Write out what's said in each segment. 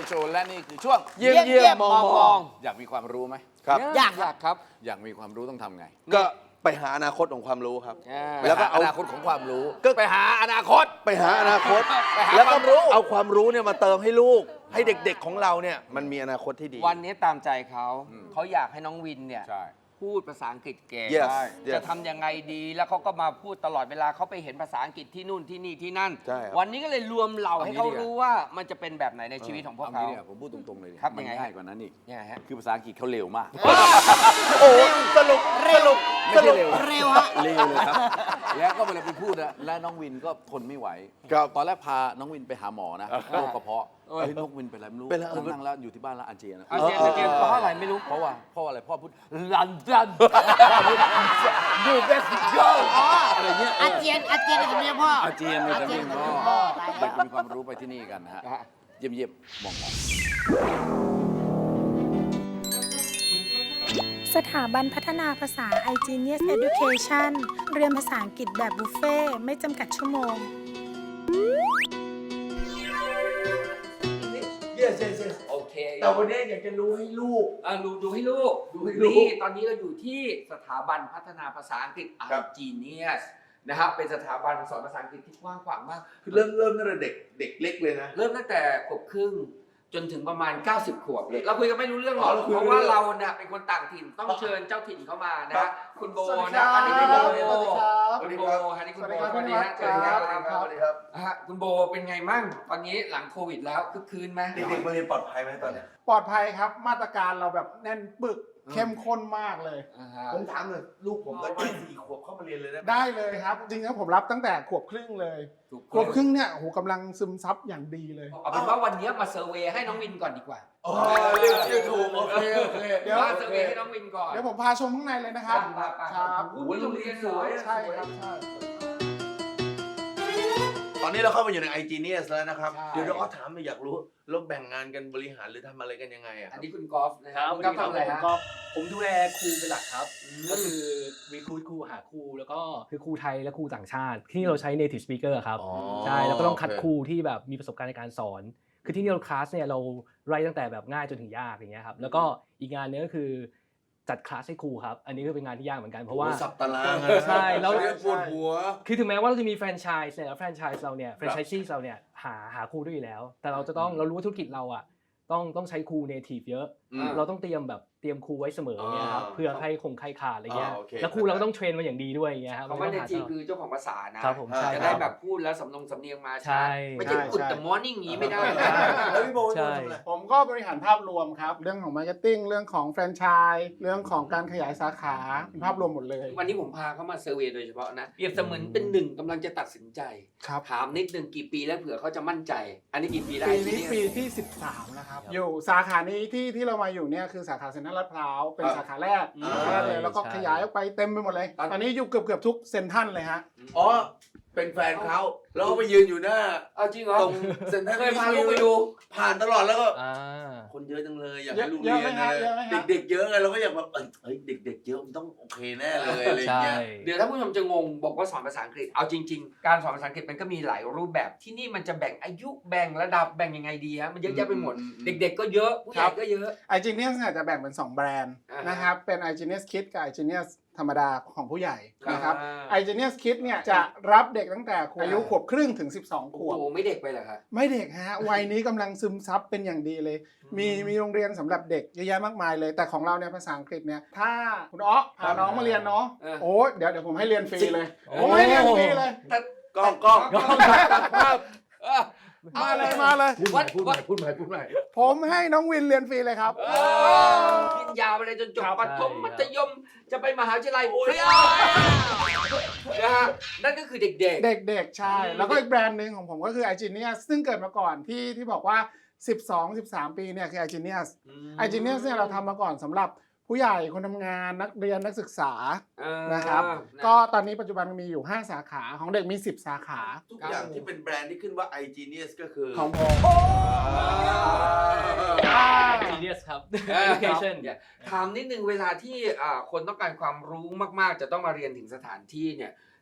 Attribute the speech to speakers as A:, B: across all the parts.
A: โชว์และนี่คือช่วง
B: เยี่ยมมอง
A: อยากมีความรู้ไหม
C: ครับ
B: อยากครับ
A: อยากมีความรู้ต้องทำไง
C: ก็ไปหาอนาคตของความรู้ครับ
A: ไป
C: แล้วก็
A: หา
C: เอา
A: อนาคตของความรู้
C: ก็
A: ไปหาอนาคต
C: ไปหาอนาคต
A: ไปหา
C: แล้ว
A: ค
C: ก็
A: วามรู้
C: เอาความรู้เนี่ยมาเติมให้ลูก ให้เด็กๆของเราเนี่ยมันมีอนาคตที่ดี
B: วันนี้ตามใจเขาอยากให้น้องวินเนี่ย
A: ใช่
B: พูดภาษาอังกฤษเก่ง
C: Yes
B: จะ
C: yes
B: ทำยังไงดีแล้วเขาก็มาพูดตลอดเวลาเขาไปเห็นภาษาอังกฤษที่นู่นที่นี่ที่นั่น
C: ใช่ครับ
B: วันนี้ก็เลยรวมเหล่าให้เขา
A: เอางี้ดีกว่า
B: รู้ว่ามันจะเป็นแบบไหนในชีวิตของพวก
A: เอา
B: เขา
A: งี้เนี่ยผมพูดตรงๆเลยดิ
B: ครับ
A: มัน
B: ยังไง
A: ง่ายกว่านั้นอีก
B: เนี่ยฮะ
A: คือภาษาอังกฤษเขาเร็วมาก
C: โอ้สรุป
A: ไม่ใช่เร็ว
D: เร็วฮะ
A: เร็วเลยครับ แล้วก็เวลาไปพูดนะและน้องวินก็ทนไม่ไหว
C: ครับ
A: ตอนแรกพาน้องวินไปหาหมอนะโรคกระเพาะเฮ้ยน้องวินเป็นอะไรไม่รู้
C: เป็นอะไร
A: นั่งแล้วอยู่ที่บ้านแล้วอาเจียนนะ
B: อาเจียนอาเจียนเพราะอะไรไม่รู้
A: เพราะว่าอะไรพ่อพูดลันดันยูเบสโกอะไรเงี้ย
D: อาเจียนในสำเนียงพ่อ
A: อาเจียนในสำเนียงพ่อ
D: พ่อ
A: เด็กมีความรู้ไปที่นี่กันนะฮะ เยี่ยมๆมอง
E: สถาบันพัฒนาภาษา iGenius Education เรียนภาษาอังกฤษแบบบุฟเฟ่ต์ไม่จำกัดชั่วโมง
B: โอเค
C: แต่วันนี้อยากจะรู้ให้ลูก
B: ดูให้ลูก
C: ดูให้ลูก
B: นี่ตอนนี้เราอยู่ที่สถาบันพัฒนาภาษาอังกฤษ
C: ครับ
B: iGenius นะครับเป็นสถาบันสอนภาษาอังกฤษที่กว้างขวางมาก
C: คือเริ่มตั้งแต่เด็กเล็กเลยนะ
B: เริ่มตั้งแต่ขวบครึ่งจนถึงประมาณ 90 ขวบเลยเราคุยกันไม่รู้เรื่องหรอก
C: เราคุย
B: เพ
C: ไม่
B: ราะ
C: รู้
B: ว่า
C: เรื่อง
B: เราเนี่ยเป็นคนต่างถิ่นต้องเชิญเจ้าถิ่นเข้ามานะ
C: ครั
B: ฮะ
C: บ
B: คุณโบ
D: สวัสดี
B: นะ
D: ครับ
B: อันนี้คุณโบ
D: สวัสดี
B: คุณ
D: ครับ
B: โบฮะนี่คุณโบ
D: สวัสดีครับ
B: เชิญครับ
D: สวัสดีครับ
B: ฮะคุณโบเป็นไงมั่งตอนนี้หลังโควิดแล้วคึกคืนไหม
C: เด็กๆมาเรียนปลอดภัยไหมตอนเนี้ย
D: ปลอดภัยครับมาตรการเราแบบแน่นปึกเข้มข้นมากเลย
B: อ่าฮะ
C: ผมถามหน่อยลูกผมตอน4 ขวบเข้ามาเรียนเลยได้ไหม
D: ได้เลยครับ จริงๆผมรับตั้งแต่ขวบครึ่งเลย ขวบครึ่งเนี่ยโอ้โหกำลังซึมซับอย่างดีเลย
B: เอาเป็นว่าวันนี้มาเซอร์เวย์ให้น้องวินก่อนดีกว่า
C: อ๋อเรียกชื่อถูกโอเคโอเค
D: เดี๋ยว
B: มาเซอร์เวย์ให้น้องวินก่อน
D: เดี๋ยวผมพาชมข้างในเลยนะครับ ครับ
B: โอ้โหโรงเรียนสวย
D: ใช่ครับใช่
C: ตอนนี้เราเข้ามาอยู่ใน iGenius แล้วนะครับ
D: ใช่
C: เดี๋ยวเราถามอยากรู้แล้วแบ่งงานกันบริหารหรือทำอะไรกันยังไงอะค
B: อั
C: รั
B: น
C: บ
B: นี้คุณกอล์ฟนะค
F: ค
B: รั
F: รั
B: บบ คุณกอล์ฟทำอะไร
F: ผม
B: ฮะ
F: ก็ผมดูแลครูเป็นหลักครับ ก็คือรีครูดครูหาครูแล้วก็คือครูไทยและครูต่างชาติ ที่เราใช้ native speaker ครับ
C: อ๋อ
F: ใช่แล้วก็ต้องคัด
C: โอเค
F: ครูที่แบบมีประสบการณ์ในการสอน คือที่นี่เราคลาสเนี่ยเราไล่ตั้งแต่แบบง่ายจนถึงยากอย่างเงี้ยครับแล้วก็อีกงานหนึงก็คือจัดคลาสให้ครูครับอันนี้ก็เป็นงานที่ยากเหมือนกันเพราะว่า
C: โอ้สับตารางอะ
F: ใช่แล้ว
C: เรียนปวดหัว
F: คือถึงแม้ว่าเราจะมีแฟรนไชส์เนี่ยแล้วแฟรนไชส์เราเนี่ยแฟรนไชส์เราเนี่ยหาครูด้วยอยู่แล้ว แต่เราจะต้องเรารู้ว่าธุรกิจเราอ่ะต้องใช้ครู native เยอะ
C: อืม
F: เราต้องเตรียมครูไว้เสมอเนี่ยครับ
C: อ่า
F: เพื่อให้คงใครขาดอะไรเงี้ย
C: โอเค
F: แล้วครูเราก็ต้องเทรนมาอย่างดีด้วยอย่างเงี้ยครับ
B: คำว่าเนทีคือเจ้าของภาษานะครับ
F: ผมใช่
B: จะได้แบบพูดแล้วสำเนียงมา
F: ใช่
B: ไม่ใช่กุดแต่มอร์นิ่งนี้ไม่ได้
C: แล้วพี่โบ
F: ใช่
C: ทำอะไร
D: ผมก็บริหารภาพรวมครับ เรื่องของมาร์เก็ตติ้งเรื่องของแฟรนไชส์เรื่องของการขยายสาขาเป็นภาพรวมหมดเลย
B: วันนี้ผมพาเขามาเซอร์เวย์โดยเฉพาะนะเปรียบเสมือนเป็นหนึ่งกำลังจะตัดสินใจ
D: ครับ
B: ถามนิดนึงกี่ปีแล้วเผื่อเขาจะมั่นใจ อันนี้กี่ปีได้
D: ปีนี้ปีที่ 13แล้วครับ อยู่สาขานี้ที่เรามาอยู่เนี่ยคือสาขาเซ็นทรัลลาดพร้าวเป็น
C: ครับ
D: สาขาแรกเลยแล้วก็ขยายออกไปเต็มไปหมดเลย ตอนนี้อยู่เกือบทุกเซ็นทรัลเลยฮะ
C: อ๋อเป็นแฟนเขาแล้วก็ไปยืนอยู่หน้า
B: เอาจริงเหรอ
C: ตรงเซ็นทรัล
B: เคยพาลูกไปดู
C: ผ่านตลอดแล้วก็
F: อ่า
C: คนเยอะจังเลยอยาก
D: เย
C: ให้
D: อะ
C: ลูก
D: เย
C: เรี
D: อะ
C: ยน
D: ไหมฮะเยอะไหมฮะ
C: เด็กๆเยอะไงเราก็อยากแบบเฮ้ยเด็กๆเยอะมันต้องโอเคแน่เลยอะไรอย่าง
F: ใช่
C: เงี้ย
B: เดี๋ยวถ้าผู้ชมจะงงบอกว่าสอนภาษาอังกฤษ เอาจริง ๆ การสอนภาษาอังกฤษมันก็มีหลายรูปแบบที่นี่มันจะแบ่งอายุแบ่งระดับแบ่งยังไงดีฮะมันเยอะแยะไปหมด เด็ก ๆ ก็เยอะผู้ใหญ่ก็เยอะ
D: iGenius เนี่ยจะแบ่งเป็น 2 แบรนด์
B: อ่าฮะ
D: นะครับ เป็น iGenius Kids กับ iGenius ธรรมดาของผู้ใหญ่นะครับ
B: อ่า
D: iGenius Kids เนี่ยจะรับเด็กตั้งแต่อายุขวบครึ่งถึง 12 ข
B: โอ้
D: วบ
B: โหไม่เด็กไปเหรอครับ
D: ไม่เด็กฮะ วัยนี้กำลังซึมซับเป็นอย่างดีเลย มีโรงเรียนสำหรับเด็กเยอะแยะมากมายเลย แต่ของเราเนี่ยภาษาอังกฤษเนี่ยถ้าคุณอ๊อพาน้องมาเรียนเนาะ
B: เออ
D: โอ้เดี๋ยวผมให้เรียนฟรีเลย
F: โอ้
D: ผมให้เรียนฟรีเลย
C: กล้อง
D: มาเลย
C: พูดใหม่
D: ผมให้น้องวินเรียนฟรีเลยครับ
B: กินยาวไปเลยจนจบ
D: ครับ
B: ประถมมัธยมจะไปมหาวิทยาลัยฟรีนะฮะนั่นก็คือเด็ก
D: เด็กๆ ใช่ แล้วก็อีกแบรนด์หนึ่งของผมก็คือ iGenius ซึ่งเกิดมาก่อนที่บอกว่า 12-13 ปีเนี่ยคือ iGenius iGenius เนี่ยเราทำมาก่อนสำหรับผู้ใหญ่คนทำงานนักเรียนนักศึกษา นะครับ ก็ตอนนี้ปัจจุบันมีอยู่ 5 สาขาของเด็กมี 10 สาขา
C: ทุกอย่างที่เป็นแบรนด์ที่ขึ้นว่า iGenius ก็คือ
D: ของผม
F: Genius ครับ
B: education
F: education
B: ถามนิดนึงเวลาที่คนต้องการความรู้มากๆ จะต้องมาเรียนถึงสถานที่เนี่ย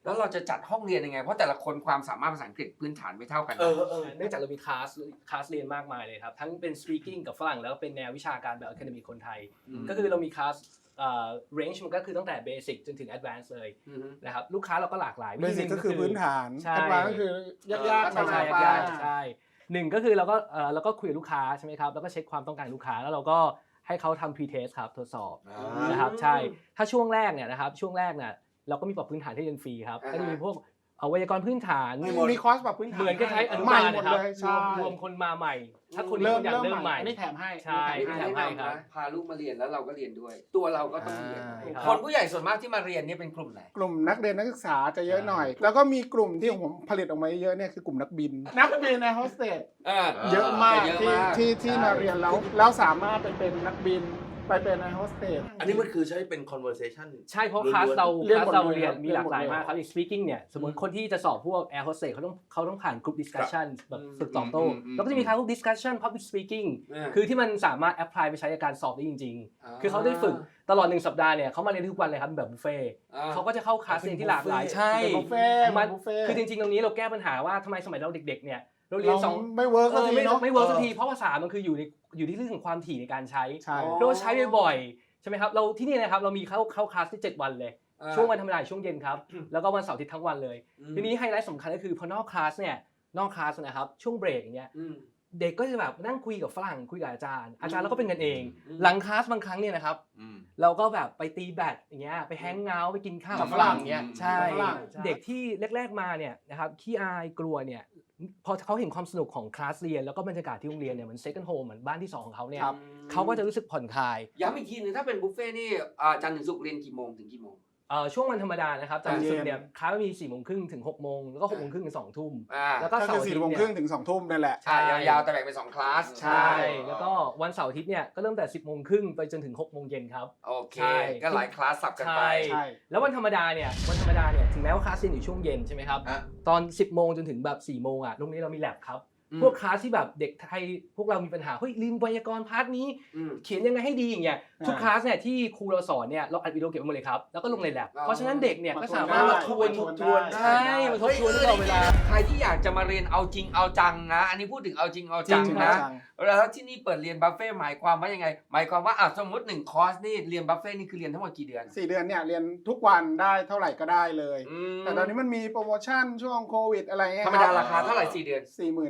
B: แล้วเราจะจัดห้องเรียนยังไงเพราะแต่ละคนความสามารถภาษาอังกฤษพื้นฐานไม่เท่ากันนะ
F: เนื่องจากเรามีคลาสเรียนมากมายเลยครับทั้งเป็น speaking กับฝรั่งแล้วก็เป็นแนววิชาการแบบ academic คนไทย ก็คือเรามีคลาสrange มันก็คือตั้งแต่ basic จนถึง advanced เลยนะครับลูกค้าเราก็หลากหลาย
D: เบสิกก็คือพื้นฐาน
F: ใช่
D: แอดวานซ์ก็คือยากๆ
F: ใช่
D: มา
F: ใช่ใช่หนึ่งก็คือเราก็คุยกับลูกค้าใช่ไหมครับแล้วก็เช็คความต้องการลูกค้าแล้วเราก็ให้เขาทำ pre-test ครับทดสอบนะครับใช่ถ้าช่วงแรกเนี่ยนะครับช่วงแรกเนี่ยเราก็มีปรับพื้นฐานที่เรียนฟรีครับก็จะมีพวกไวยากรณ์พื้นฐาน
D: มีคอร์สแบบพื้นฐาน
F: เหมือนกับใช้อนุ
D: ใหม่
F: บาล
D: หมด
F: นะครับ
D: เลยใช่
F: รวมคนมาใหม่ ถ้าคน
D: เริ่ม
F: อยากเริ่มใหม่
D: อันนี้แถมให้
F: ใช่
B: ไม่
F: แถ
B: แนะ
F: มให้
B: นำ
F: ครับ
B: นะพาลูกมาเรียนแล้วเราก็เรียนด้วย ตัวเราก็ต้องเรียน
F: ครับ
B: คนผู้ใหญ่ส่วนมากที่มาเรียนเนี่ยเป็นกลุ่มไหน
D: กลุ่มนักเรียนนักศึกษาจะเยอะหน่อย แล้วก็มีกลุ่มที่ผมผลิตออกมาเยอะเนี่ยคือกลุ่มนักบิน นักบินในโฮสเตสเยอะมาก
B: เยอะ
D: ที่
B: มาก
D: ที่มาเรียนแล้วสามารถไปเป็นนักบินไปเป็นในโฮสเตส
C: อันนี้มันคือใช้เป็น conversation
F: ใช่เพราะ
C: ล้วนๆ
F: คลาสเรา
D: เรียนหมด
F: เรียน
D: เลย
F: มีหลากหลาย
D: เรียนหมดเลย
F: มากครับอย่าง speaking เนี่ยสมมติคนที่จะสอบพวก air hostess เขาต้องผ่าน group discussion แบบฝึกตอบโต้แล้วก็จะมีคลาสพวก discussion public speaking คือที่มันสามารถ apply ไปใช้ในการสอบได้จริงๆ คือเขาได้ฝึกตลอด1สัปดาห์เนี่ยเขามาเรียนทุกวันเลยครับแบบบุฟเฟ่เขาก็จะเข้าคลาสเรียนที่หลากหลายใช่
D: เป็นบุฟเฟ่ต์
F: มัน
D: บุฟเฟ่ต์
F: คือจริงๆตรงนี้เราแก้ปัญหาว่าทำไมสมัยเราเด็กๆเนี่ยเราเรียนสอง
D: ไม่เวิร์กสักที
F: ไม่
D: เนาะ
F: ไม่เวิร์กสักทีเพราะภาษามันคืออยู่ที่เรื่องของความถี่ในการใช้
D: ใช่
F: เราใช้บ่อยๆใช่ไหมครับเราที่นี่นะครับเรามีเข้าคลาสที่7วันเลยช่วงวันธรรมดาช่วงเย็นครับแล้วก็วันเสาร์อาทิตย์ทั้งวันเลยทีนี้ไฮไลท์สำคัญก็คือพอนอกคลาสนะครับช่วงเบรกอย่างเงี้ยเด็กก็จะแบบนั่งคุยกับฝรั่งคุยกับอาจารย์เราก็เป็นกันเอง หลังคลาสบางครั้งเนี่ยนะครับเราก็แบบไปตีแบดอย่างเงี้ยไปแฮงเอาท์ไปกินข้าวกับฝรั่งเงี้ยใช่เด็กที่แรกๆมาเนี่ยนะครับขี้อายกลัวเนี่ยพอเขาเห็นความสนุกของคลาสเรียนแล้วก็บรรยากาศที่โรงเรียนเนี่ยเหมือน second home เหมือนบ้านที่2ของเขาเนี่ยเขาก็จะรู้สึกผ่อนคลาย
B: ย้ำอีกทีนึงถ้าเป็นบุฟเฟ่นี่จันทร์ถึงศุกร์เรียนกี่โมงถึงกี่โมง
F: ช่วงวันธรรมดานะครับจันทร์ถึงศุกร์เนี่ยคลาสมี4 โมงครึ่งถึง6 โมงแล้วก็6 โมงครึ่งถึง2 ทุ่มแล้วก็
D: ก็
F: เสา
D: คือ
F: ร์อาทิต
D: 4
F: ย์
D: โมง
F: เนี่
D: ครึ่ง
F: ย
D: ถึง2 ทุ่มนั่นแหละ
B: ใช่ยาวๆแต่แบ่งเป็น2คลาส
F: ใช่แล้วก็วันเสาร์อาทิตย์เนี่ยก็เริ่มแต่10 โมงครึ่งไปจนถึง6 โมงเย็นครับ
B: โอเค
F: ใช่
B: ก็หลายคลาสสับกันไป
F: ใช่แล้ววันธรรมดาเนี่ยถึงแม้ว่าคลาสเรียนอยู่ช่วงเย็นใช่ไหมครับตอน 10 โมงจนถึงแบบ4 โมงอ่ะโรงเรียนเรามีแลบครับพวกคลาสที่แบบเด็กไทยพวกเรามีปัญหาเฮ้ยลืมไวยากรณ์พาร์ทนี้เขียนยังไงให้ดีอย่างเงี้ยทุกคลาสเนี่ยที่ครูเราสอนเนี่ยเราอัดวิดีโอเก็บไว้หมดเลยครับแล้วก็ลงในแลบเพราะฉะนั้นเด็กเนี่ยก็สามารถมาทวนใช่มาทบทวนตลอดเวลา
B: ใครที่อยากจะมาเรียนเอาจริงเอาจังนะอันนี้พูดถึงเอาจริงเอาจัง
F: จริง
B: นะแล้วที่นี่เปิดเรียนบัฟเฟ่หมายความว่ายังไงหมายความว่าสมมติ1คอร์สนี่เรียนบัฟเฟ่นี่คือเรียนทั้งหมดกี่เดือน
D: 4 เดือนเนี่ยเรียนทุกวันได้เท่าไหร่ก็ได้เลย แต่ตอนนี้มันมีโปรโมชั่นช่วงโควิดอะไรเงี้ย
B: ธรรมดาราคาเท่าไหร่4 เดือน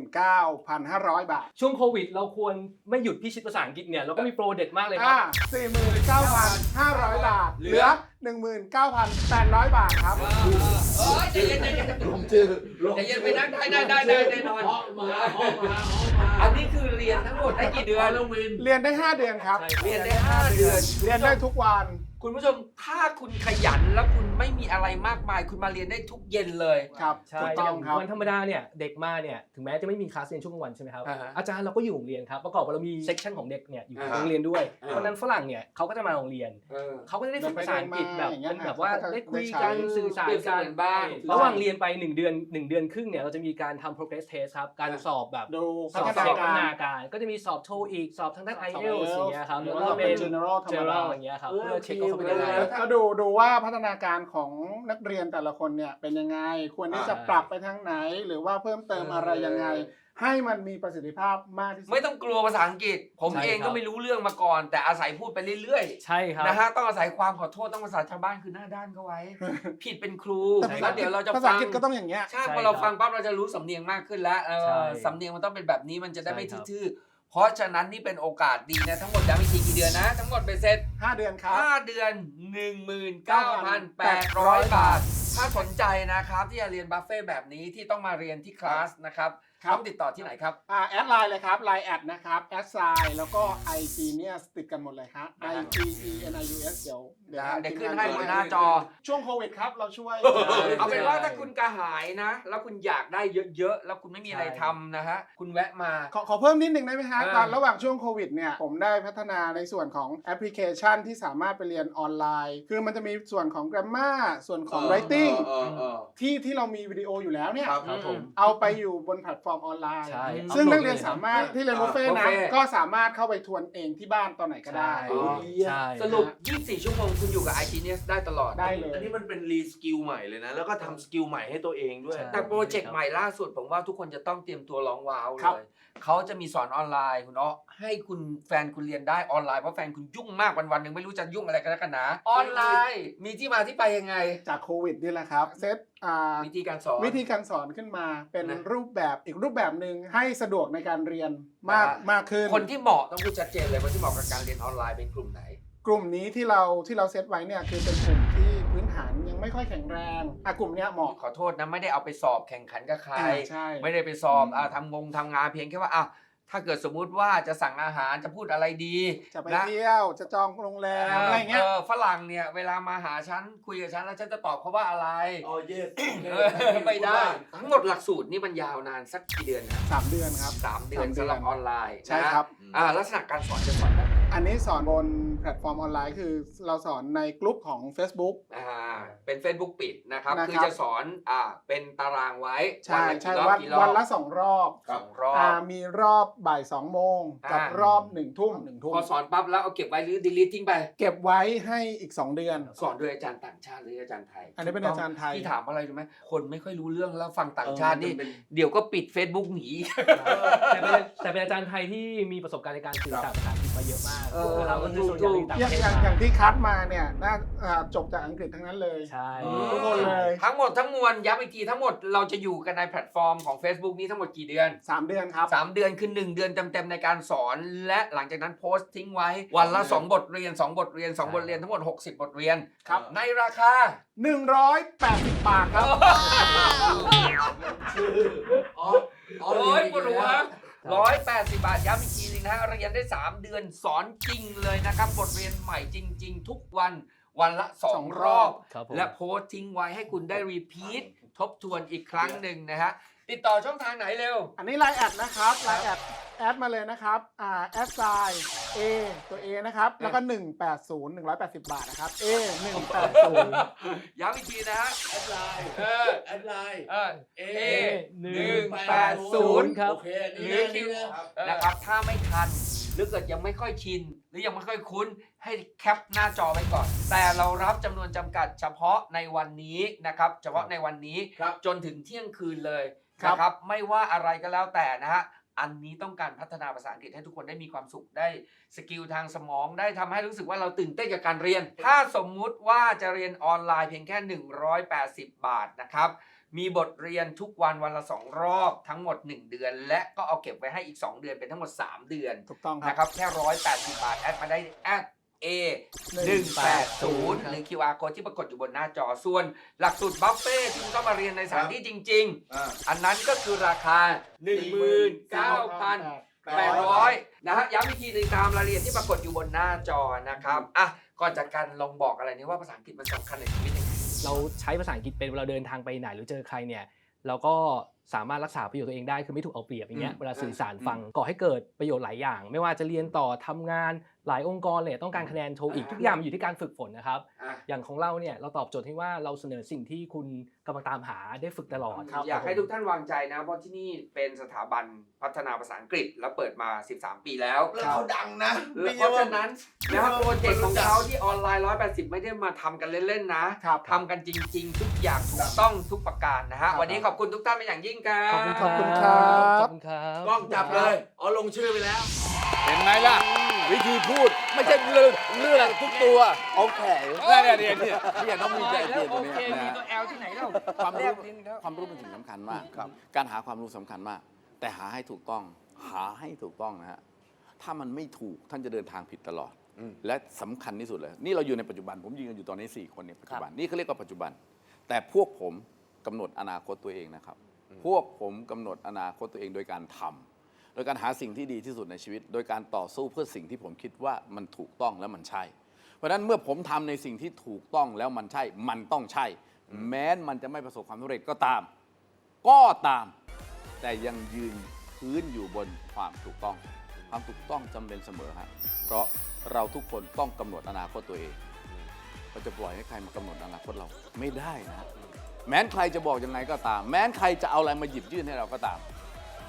D: 49,500 บาท
F: ช่วงโควิดเราควรไม่หยุดพิชิตภาษาอังกฤษเนี่ยเราก็มีโปรเด็ดมากเลยครับ
D: 49,500 บาทเหลือ 19,800 บาทครับ
B: ใจเย็นใจเย็น
C: ลงชื่อ
B: ใจเย็นไปนั่งได้แน่นอนอันนี้คือเรียนทั้งหมดได้กี่เดือน
D: เรียนได้ 5 เดือนครับ
B: เรียนได้5 เดือน
D: เรียนได้ทุกวัน
B: คุณผู้ชมถ้าคุณขยันแล้วคุณไม่มีอะไรมากมาย คุณมาเรียนได้ทุกเย็นเลย
D: ครับ
F: ใช่
D: ถูกต้องครับ
F: วันธรรมดาเนี่ยเด็กมาเนี่ยถึงแม้จะไม่มีคลาสเรียนช่วงกลางวันใช่ไหมครับ
B: อ่าฮะ
F: อาจารย์เราก็อยู่โรงเรียนครับประกอบกับเรามีเซกชันของเด็กเนี่ยอยู่
B: อ่าฮะ
F: โรงเรียนด้วย
B: อ่า
F: เพราะฉะนั้นฝรั่งเนี่ยเขาก็จะมาโรงเรียนเขาก็จะได้ฝึกภาษาอังกฤษแบบ
D: เดินไปเดินมาอย่างเงี้ย
F: เป็นแบบว่า
D: เขาก็จะ
F: ได้คุย
D: ได้ใช้
F: กันสื่อสาร
B: เปรียบเส
F: กัน
B: มือนบ้าน
F: ระหว่างเรียนไป1 เดือนครึ่งเนี่ยเราจะมีการทำ progress test ครับการสอบแบบ
D: ดู
F: สอบ
D: พัฒ
F: เช็ค
D: นา
F: พัฒ
D: กา
F: นา
D: ร
F: การก็จะมีสอบโทอีกสอบทางด้าน
D: สอบ
F: IELTS อย่างเงี้ยครับ
D: หรื
F: แล้
D: อ
F: ว
D: ว่า
F: ก็เป็น
D: general ธรรมดา
F: general อย่างเงี้ยครับเพื่อเช็คว่าเขาเป็นยังไง
D: ก็ดูว่าพัฒนาการของนักเรียนแต่ละคนเนี่ยเป็นยังไง ควรที่จะปรับไปทางไหน หรือว่าเพิ่มเติมอะไรยังไง ให้มันมีประสิทธิภาพมากที่สุด
B: ไม่ต้องกลัวภาษาอังกฤษ ผม
F: ใช่
B: เอง
F: ครั
B: ก็
F: บ
B: ไม่รู้เรื่องมาก่อน แต่อาศัยพูดไปเรื่อย
F: ใช่ครับ
B: ๆนะฮะต้องอาศัยความขอโทษต้องภาษาชาวบ้านคือหน้าด้านเขาไว้ ผิดเป็นครู
D: แต่ภาษา
B: แล้วเดี๋ยวเราจะ
D: ภาษา
B: ฟั
D: อั
B: ง
D: งกฤษก็ต้องอย่างเงี้ย
B: ใช่
F: ใช่
B: พอเรา
F: ครับ
B: ฟังปั๊บเราจะรู้สำเนียงมากขึ้นแล้ว
F: ใช่
B: สำเนียงมันต้องเป็นแบบนี้มันจะได้ไม่
F: ใช่ครับ
B: ทื่อๆเพราะฉะนั้นนี่เป็นโอกาสดีนะทั้งหมดย้ำอีกทีกี่เดือนนะ ทั้งหมดเป็นเสร็จ
D: 5 เดือนครับ
B: 5 เดือน 19,800 บาท ถ้าสนใจนะครับที่จะเรียนบัฟเฟ่แบบนี้ที่ต้องมาเรียนที่คลาสนะครับ
D: ครับ
B: ต้องติดต่อที่ไหนครับ
D: แอดไลน์เลยครับไลน์แอดนะครับแอดไซน์แล้วก็ iGenius ติดกันหมดเลยครับ IGENIUS เดี๋ยว
B: เดี๋ยวขึ้นให้บนหน้าจอ
D: ช่วงโควิดครับเราช่วย
B: เอาเป็นว่าถ้าคุณกระหายนะ แล้วคุณอยากได้เยอะๆ แล้วคุณไม่มีอะไรทำนะฮะ คุณแวะมา
D: ขอเพิ่มนิดนึงได้ไหมฮะ
B: อ่า
D: ตอนระหว่างช่วงโควิดเนี่ยผมได้พัฒนาในส่วนของแอปพลิเคชันที่สามารถไปเรียนออนไลน์ คือมันจะมีส่วนของ grammar ส่วนของ writing ที่เรามีวิดีโออยู่แล้วเนี่ย
C: ครับผม
D: เอาไปอยู่บนแพลตฟอร์มฟอร์มออนไลน์
F: ใช่
D: ซึ่ง
F: อัพโหลด
D: นักเรียนสามารถที่เรียนบุฟเฟ่ต์
B: บุฟ
D: นะ
B: เฟ่ต์
D: ก็สามารถเข้าไปทวนเองที่บ้านตอนไหนก็ได้
F: ใช่
B: สรุป 24 ชั่วโมงคุณอยู่กับ iGenius ได้ตลอด
D: ได้เลย
C: อันนี้มันเป็นรีสกิลใหม่เลยนะ แล้วก็ทำสกิลใหม่ให้ตัวเองด้วย
F: ใช่
B: แต่โปรเจกต์ใหม่ล่าสุดผมว่าทุกคนจะต้องเตรียมตัวร้องว้าว
D: ครับ
B: เลยเขาจะมีสอนออนไลน์คุณเนาะให้คุณแฟนคุณเรียนได้ออนไลน์เพราะแฟนคุณยุ่งมากวันๆหนึ่งไม่รู้จะยุ่งอะไรกันแล้วกันนะออนไลน์มีที่มาที่ไปยังไง
D: จากโควิดนี่แหละครับเซต
B: วิธีการสอน
D: วิธีการสอนขึ้นมาเป็น
B: นะ
D: รูปแบบอีกรูปแบบหนึ่งให้สะดวกในการเรียนมากขึ้น
B: คนที่เหมาะต้องพูดชัดเจนเลยคนที่เหมาะกับการเรียนออนไลน์เป็นกลุ่มไหน
D: กลุ่มนี้ที่เราเซตไว้เนี่ยคือเป็นกลุ่มที่พื้นฐานยังไม่ค่อยแข็งแรงกลุ่มเนี้ยเหมาะ
B: ขอโทษนะไม่ได้เอาไปสอบแข่งขันกับใคร
D: ใช่
B: ไม่ได้ไปสอบทำงานเพียงแค่ว่าถ้าเกิดสมมุติว่าจะสั่งอาหารจะพูดอะไรดี
D: จะไป
B: นะ
D: เที่ยวจะจองโรงแรมอะไรเงี้ย
B: ฝรั่งเนี่ยเวลามาหาฉันคุยกับฉันแล้วฉันจะตอบเขาว่าอะไร
C: อ๋อ yes
B: ไม่ได้ ทั้งหมดหลักสูตรนี่มันยาวนานสักกี่เดือนนะ
D: 3 เดือนครับ
B: 3 เดือนสำหรับออนไลน์
D: ใช่
B: นะครับ ลักษณะการสอนจะสอนแบบไหน
D: อันนี้สอนบนแพลตฟอร์มออนไลน์คือเราสอนในกลุ่มของ Facebook
B: เป็น Facebook ปิดนะครับ
D: นะครับ
B: คือจะสอนเป็นตารางไว้
D: ใช่
B: วันละ
D: ใช่
B: กี่รอบกี่รอบ
D: วันละ2 รอบ
B: สองรอบ
D: มีรอบบ่าย2 โมงกับรอบ1 ทุ่ม
B: พอสอนปั๊บแล้วเอาเก็บไว้หรือ delete ทิ้งไป
D: เก็บไว้ให้อีก 2 เดือน
B: สอนโดยอาจารย์ต่างชาติหรืออาจารย์ไทย
D: อันนี้เป็นอาจารย์ไทย
B: ที่ถามอะไรรู้ไหมคนไม่ค่อยรู้เรื่องแล้วฟังต่างชาตินี่เดี๋ยวก็ปิด Facebook หนี
F: แต่เป็นอาจารย์ไทยที่มีประสบการณ์ในการสื่อสารภาษาอังกฤษมาเยอะมาก
B: เออ
F: นะครับก็คือส่วนใหญ่ที่ต่างประเทศ
D: อย่างที่คัดมาเนี่ยน่าจบจากอังกฤษทั้งนั้นเลย
F: ใช่
D: ทุกคนเลย
B: ทั้งหมดทั้งมวลย้ำอีกทีทั้งหมดเราจะอยู่กันในแพลตฟอร์มของ Facebook นี้ทั้งหมดกี่เดือน
D: 3 เดือนครับ
B: 3 เดือนคือ 1 เดือนเต็มๆในการสอน และหลังจากนั้นโพสต์ทิ้งไว้วันละ 2 บทเรียน 2 บทเรียน 2 บทเรียนทั้งหมด 60 บทเรียน
D: ครับ
B: ในราคา
D: 180 บาทครับ
B: โอ้ยปวดหัว180 บาทย้ำอีกทีนึงนะฮะเรียนได้ 3 เดือนสอนจริงเลยนะครับบทเรียนใหม่จริง ๆ ทุกวันวันละ 2 รอบ
F: ครับผม
B: และโพสต์ทิ้งไว้ให้คุณได้รีพีททบทวนอีกครั้งหนึ่งนะฮะติดต่อช่องทางไหนเร็ว
D: อันนี้ไลน์แอดนะครับไลน์แอดมาเลยนะครับแอดไซน์ A ตัว A นะครับ แล้วก็ 180 180 บาทนะครับ A 180
B: ย้ำอีกทีนะฮะ
C: แอดไลน์ แอดไลน์
B: A
F: 180 ครับ
C: โอเค
B: หรือคิวนะครับถ้าไม่ทันหรือเกิดยังไม่ค่อยชิน หรือยังไม่ค่อยคุ้นให้แคปหน้าจอไว้ก่อน แต่เรารับจำนวนจำกัดเฉพาะในวันนี้นะครับเฉพาะในวันนี้จนถึงเที่ยงคืนเลยนะครับไม่ว่าอะไรก็แล้วแต่นะฮะอันนี้ต้องการพัฒนาภาษาอังกฤษให้ทุกคนได้มีความสุขได้สกิลทางสมองได้ทำให้รู้สึกว่าเราตื่นเต้นกับการเรียน ถ้าสมมุติว่าจะเรียนออนไลน์เพียงแค่180 บาทนะครับมีบทเรียนทุกวันวันละ2 รอบทั้งหมด1 เดือน และก็เอาเก็บไว้ให้อีก2 เดือนเป็นทั้งหมด3 เดือน
D: ถูกต้องครับ
B: นะครับแค่180 บาทแอดมาได้แอด A 180หรือ QR code ที่ปรากฏอยู่บนหน้าจอส่วนหลักสูตรบัฟเฟ่ที่คุณเข้ามาเรียนในสถานที่จริง ๆ อันนั้นก็คือราคา 19,800 นะฮะย้ำอีกทีหนึงตามรายละเอียดที่ปรากฏอยู่บนหน้าจอนะครับก่อนจากกันลองบอกอะไรนี้ว่าภาษาอังกฤษมันสำคัญในชีวิตยังไง
F: เราใช้ภาษาอังกฤษเป็นเวลาเดินทางไปไหนหรือเจอใครเนี่ยเราก็สามารถรักษาประโยชน์ตัวเองได้คือไม่ถูกเอาเปรียบอย่างเงี้ยเวลาสื่อสารฟังก่อให้เกิดประโยชน์หลายอย่าง ไม่ว่าจะเรียนต่อทำงานหลายองค์กรเลยต้องการคะแนนโทอีกทุกอย่างมันอยู่ที่การฝึกฝนนะครับอย่างของเราเนี่ยเราตอบโจทย์ให้ว่าเราเสนอสิ่งที่คุณกำลังตามหาได้ฝึกตลอด
B: อยากให้ทุกท่านวางใจนะเพราะที่นี่เป็นสถาบันพัฒนาภาษาอังกฤษแล้วเปิดมา13 ปีแล้ว
C: แล้วเขาดังนะ
B: เพราะฉะนั้นนะครับโปรเจกต์ของเขาที่ออนไลน์180ไม่ได้มาทำกันเล่นๆนะครับทำกันจริง ๆ ทุกอย่างถูกต้องทุกประการนะฮะวันนี้ขอบคุณทุกท่านเป็นอย่างยิ่งครับ
F: ขอบคุณ
D: ขอบคุณครับ
F: ขอบคุณครับ
C: กล้องจับเลยเอาลงชื่อไปแล้ว
A: เห็นไหมล่ะ วิธีพูดไม่ใช่เรื่องทุกตัวโอเคเนี่ยต้องมีใจเย็นตรงนี้นะ
B: L ที่ไหนเล่า
G: ความรู้เป็นสิ่งสำคัญมากครับการหาความรู้สำคัญมาก แต่หาให้ถูกต้องนะฮะถ้ามันไม่ถูกท่านจะเดินทางผิดตลอด และสำคัญที่สุดเลยนี่เราอยู่ในปัจจุบันผมยืนกันอยู่ตอนนี้4 คนในปัจจุบันนี่เขาเรียกว่าปัจจุบัน แต่พวกผมกำหนดอนาคตตัวเองนะครับพวกผมกำหนดอนาคตตัวเองโดยการทำโดยการหาสิ่งที่ดีที่สุดในชีวิต โดยการต่อสู้เพื่อสิ่งที่ผมคิดว่ามันถูกต้องและมันใช่ เพราะฉะนั้นเมื่อผมทำในสิ่งที่ถูกต้องแล้วมันใช่มันต้องใช่ แม้มันจะไม่ประสบความสำเร็จก็ตาม แต่ยังยืนพื้นอยู่บนความถูกต้องความถูกต้องจำเป็นเสมอฮะเพราะเราทุกคนต้องกำหนดอนาคตตัวเองเราจะปล่อยให้ใครมากำหนดอนาคตเราไม่ได้นะแม้นใครจะบอกยังไงก็ตาม แม้นใครจะเอาอะไรมาหยิบยื่นให้เราก็ตาม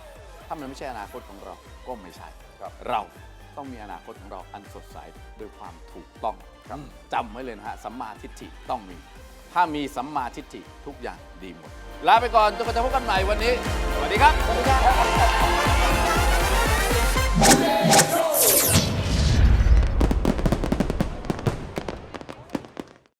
G: ถ้ามันไม่ใช่อนาคตของเราก็ไม่ใช่
A: ครับ
G: เราต้องมีอนาคตของเราอันสดใสด้วยความถูกต้องครับจำไว้เลยนะฮะสัมมาทิฏฐิต้องมี ถ้ามีสัมมาทิฏฐิทุกอย่างดีหมดลาไปก่อนจนกว่าจะพบกันใหม่วันนี้ สวัสดีครับ